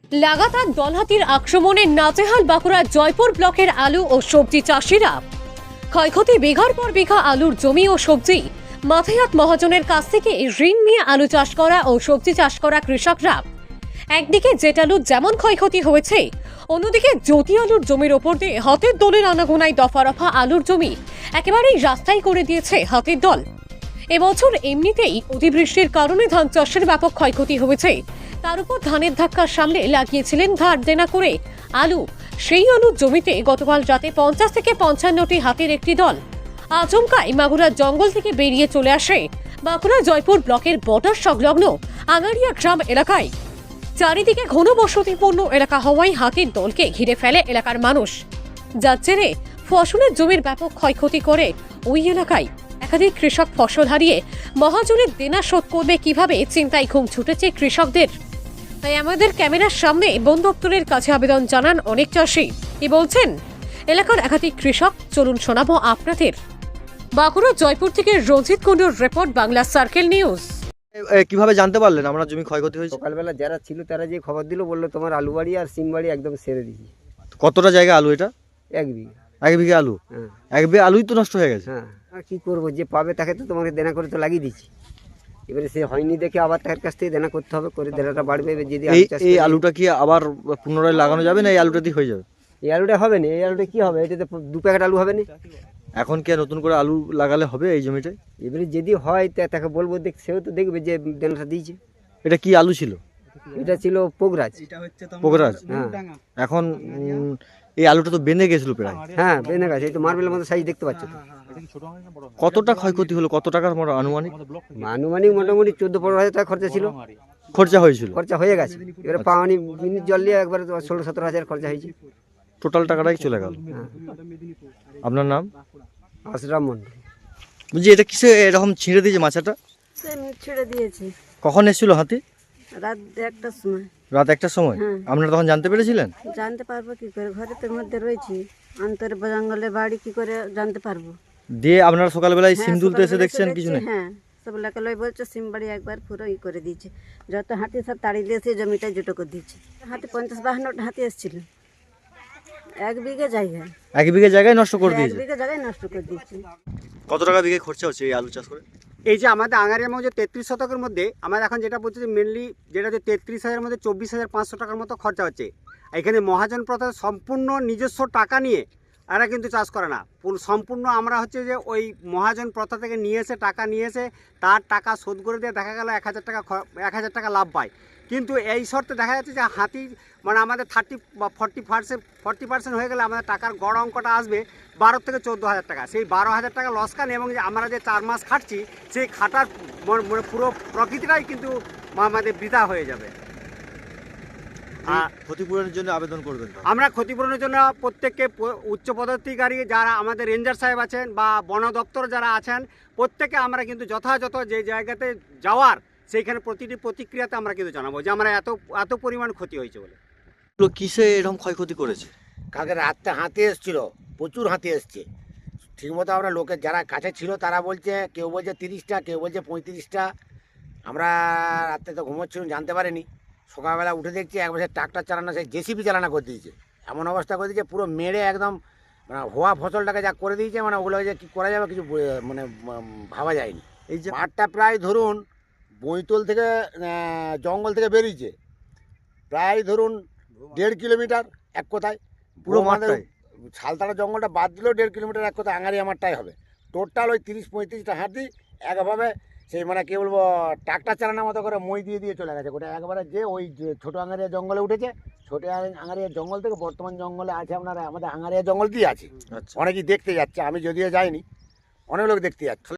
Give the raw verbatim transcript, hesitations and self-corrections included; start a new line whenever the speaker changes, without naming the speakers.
লাগাতার দলহাতির আক্রমণে নাজেহাল বাঁকুড়া জয়পুর ব্লকের আলু ও সবজি চাষিরা। ক্ষয়ক্ষতি বিঘার পর বিঘা আলুর জমি ও সবজি। মাথায়াত মহাজনের কাছ থেকে ঋণ নিয়ে আলু চাষ করা ও সবজি চাষ করা কৃষকরা। একদিকে জেটালুর যেমন ক্ষয়ক্ষতি হয়েছে, অন্যদিকে জ্যোতি আলুর জমির ওপর দিয়ে হাতের দলের আনাগোনায় দফা রফা আলুর জমি একেবারেই রাস্তায় করে দিয়েছে হাতের দল। এবছর এমনিতেই অতিবৃষ্টির কারণে ধান চাষের ব্যাপক ক্ষয়ক্ষতি হয়েছে। তার উপর ধানের ধাক্কার সামনে লাগিয়েছিলেন ধার দেনা করে আলু। সেই আলুর জমিতে গতকাল রাতে পঞ্চাশ থেকে পঞ্চান্নটি হাতির একটি দল আচমকাই মাগুরার জঙ্গল থেকে বেরিয়ে চলে আসে বাঁকুড়া জয়পুর ব্লকের বর্ডার সংলগ্ন আঙারিয়া গ্রাম এলাকায়। চারিদিকে ঘনবসতিপূর্ণ এলাকা হওয়ায় হাতির দলকে ঘিরে ফেলে এলাকার মানুষ, যার জেরে ফসলের জমির ব্যাপক ক্ষয়ক্ষতি করে ওই এলাকায়। একাধিক কৃষক ফসল হারিয়ে মহাজনের দেনা শোধ করবে কিভাবে চিন্তায় ঘুম ছুটেছে কৃষকদের। তাই আমাদের ক্যামেরার সামনে বন দপ্তরের কাছে আবেদন জানান অনেক চাষি। কি বলছেন এলাকার একাধিক কৃষক, চলুন শোনাবো আপনাদের। বাঁকুড়া জয়পুর থেকে রঞ্জিত কুণ্ডুর রিপোর্ট, বাংলা সার্কেল নিউজ।
কিভাবে জানতে পারলেন আমরা জমি ক্ষয়ক্ষতি হয়েছে?
সকালবেলা যারা ছিল তারা যে খবর দিল, বললো তোমার আলু বাড়ি আর সিম বাড়ি একদম সেরে দিয়েছি।
কতটা জায়গা আলু এটা?
এক বিঘা।
এক বিঘা আলু?
হ্যাঁ।
এক বিঘা আলুই তো নষ্ট হয়ে গেছে।
হ্যাঁ, আর কী করবো, যে পাবে তাকে তো তোমাকে দেনা করে তো লাগিয়ে দিচ্ছি। এবারে সে হয়নি দেখে আবার তার কাছ থেকে দেনা করতে হবে, করে দেনাটা বাড়বে। এবার যদি
এই
আলু চাষ
এই
করি-
আলুটা কি আবার পুনরায় লাগানো যাবে না এই আলুটা দিয়ে হয়ে যাবে?
এই আলুটা হবে না। এই আলুটা কি হবে? এটাতে দু প্যাকেট আলু হবে না।
এখন কি আর নতুন করে আলু লাগালে হবে এই জমিটায়?
এবারে যদি হয় তা- তাকে বলবো, দেখ সেও তো দেখবে যে দেনাটা দিয়েছে।
এটা কি আলু ছিল?
এটা ছিল পোগরাজ।
পোগরাজ?
হ্যাঁ
এখন উম, এই আলুটা তো বেঁধে গেছিল প্রায়।
হ্যাঁ, বেনে গেছে। এই তো মার্বেলের মতো সাইজ দেখতে পাচ্ছ তো।
কতটা ক্ষয়ক্ষতি হলো, কত টাকার মতো আনুমানিক
আনুমানিক মোটামুটি চোদ্দ পনেরো হাজার টাকা খরচা ছিল।
খরচা হয়েছিল?
খরচা হয়ে গেছে। এবারে পানি মিনিট জল দিয়ে একবার ষোলো সতেরো হাজার খরচা হয়েছে।
টোটাল টাকাটাই চলে গেল। আপনার নাম?
আশরাম মন্ডল।
বলছি এটা কিসে এরকম ছিঁড়ে দিয়েছে মাছটা?
আমি ছেড়ে দিয়েছি
কখন এসেছিল হাতি?
রাত একটার সময়।
রাত একটার সময়?
হ্যাঁ।
আপনারা তখন জানতে পেরেছিলেন?
জানতে পারবো কি করে, ঘরে তোর মধ্যে রয়েছি, অন্তর জঙ্গলে বাড়ি কি করে জানতে পারবো?
দিয়ে আপনারা সকালবেলায়
হ্যাঁ,
সিম তুলতে এসে
সকালবেলা
দেখছেন
এসে
কিছু
দেখছি,
নেই?
হ্যাঁ, সব লোকে লই বলছে সিম বাড়ি একবার পুরো ই করে দিয়েছে। যত হাতি সব তাড়ি দিয়েছে, জমিটা জুটো করে দিয়েছে। হাতি পঞ্চাশ বাহান্নটা হাতি এসেছিল এক বিঘে জায়গায়।
এক বিঘে জায়গায় নষ্ট করে
এক
দিয়েছে?
বিঘে জায়গায় নষ্ট করে দিয়েছে।
কত টাকা বিঘে খরচা হচ্ছে এই আলু চাষ করে?
এই যে আমাদের আঙারিয়ার মধ্যে তেত্রিশ শতকের মধ্যে আমরা এখন যেটা বলছি যে মেনলি যেটা হচ্ছে তেত্রিশ হাজারের মধ্যে চব্বিশ হাজার পাঁচশো টাকার মতো খরচা হচ্ছে। এখানে মহাজন প্রথা সম্পূর্ণ নিজস্ব টাকা নিয়ে এরা কিন্তু চাষ করে না। পুরো সম্পূর্ণ আমরা হচ্ছে যে ওই মহাজন প্রথা থেকে নিয়ে এসে টাকা নিয়ে এসে তার টাকা শোধ করে দিয়ে দেখা গেল এক হাজার টাকা এক হাজার টাকা লাভ পায়। কিন্তু এই শর্তে দেখা যাচ্ছে যে হাতি মানে আমাদের থার্টি বা ফর্টি পার্সেন্ট ফর্টি পার্সেন্ট হয়ে গেলে আমাদের টাকার গড় অঙ্কটা আসবে বারো থেকে চোদ্দো হাজার টাকা। সেই বারো হাজার টাকা লসকান এবং যে আমরা যে চার মাস খাটছি সেই খাটার মানে পুরো প্রকৃতিটাই কিন্তু আমাদের বৃথা হয়ে যাবে।
আর ক্ষতিপূরণের জন্য আবেদন করবেন তো?
আমরা ক্ষতিপূরণের জন্য প্রত্যেককে প- উচ্চপদাধিকারী যারা আমাদের রেঞ্জার সাহেব আছেন বা বন দপ্তর যারা আছেন, প্রত্যেকে আমরা কিন্তু যথাযথ যে জায়গাতে যাওয়ার সেইখানে প্রতিটি প্রতিক্রিয়াতে আমরা কিন্তু জানাবো যে আমরা এত এত পরিমাণ ক্ষতি হয়েছে বলে।
এগুলো কিসে এরকম ক্ষয়ক্ষতি করেছে?
কালকে রাত্রে হাতি এসেছিল, প্রচুর হাতি এসছে। ঠিকমতো আমরা লোকের যারা কাছে ছিল তারা বলছে, কেউ বলছে তিরিশটা, কেউ বলছে পঁয়ত্রিশটা। আমরা রাত্রে তো ঘুমোচ্ছিলাম, জানতে পারিনি। সকালবেলা উঠে দেখছি এক বছর ট্রাক্টর চালানো, সেই জেসিবি চালানো করে দিয়েছে। এমন অবস্থা করে দিয়েছে পুরো মেরে একদম মানে হওয়া ফসলটাকে যা করে দিয়েছে, মানে ওগুলো যে কী করা যাবে কিছু ব- মানে উম, ভাবা যায়নি।
এই যে
মাঠটা প্রায় ধরুন বইতল থেকে আহ, জঙ্গল থেকে বেরিয়েছে প্রায় ধরুন দেড় কিলোমিটার এক কথায়।
পুরো
আমাদের
মাঠটাই?
শালতারা জঙ্গলটা বাদ দিলেও দেড় কিলোমিটার এক কথায় আঙারি আমারটাই হবে। টোটাল ওই তিরিশ পঁয়ত্রিশটা হাতি একভাবে সেই মানে কী বলবো ট্রাক্টর চালানোর মতো করে মই দিয়ে দিয়ে চলে গেছে। ওটা একবারে যে ওই যে ছোটো আঙারিয়া জঙ্গলে উঠেছে, ছোটো আঙারিয়া জঙ্গল থেকে বর্তমান জঙ্গলে আছে আপনার আমাদের আঙারিয়া জঙ্গল দিয়ে আছে।
আচ্ছা।
অনেকেই দেখতে যাচ্ছে, আমি যদিও যাইনি, অনেক লোক দেখতে যাচ্ছে।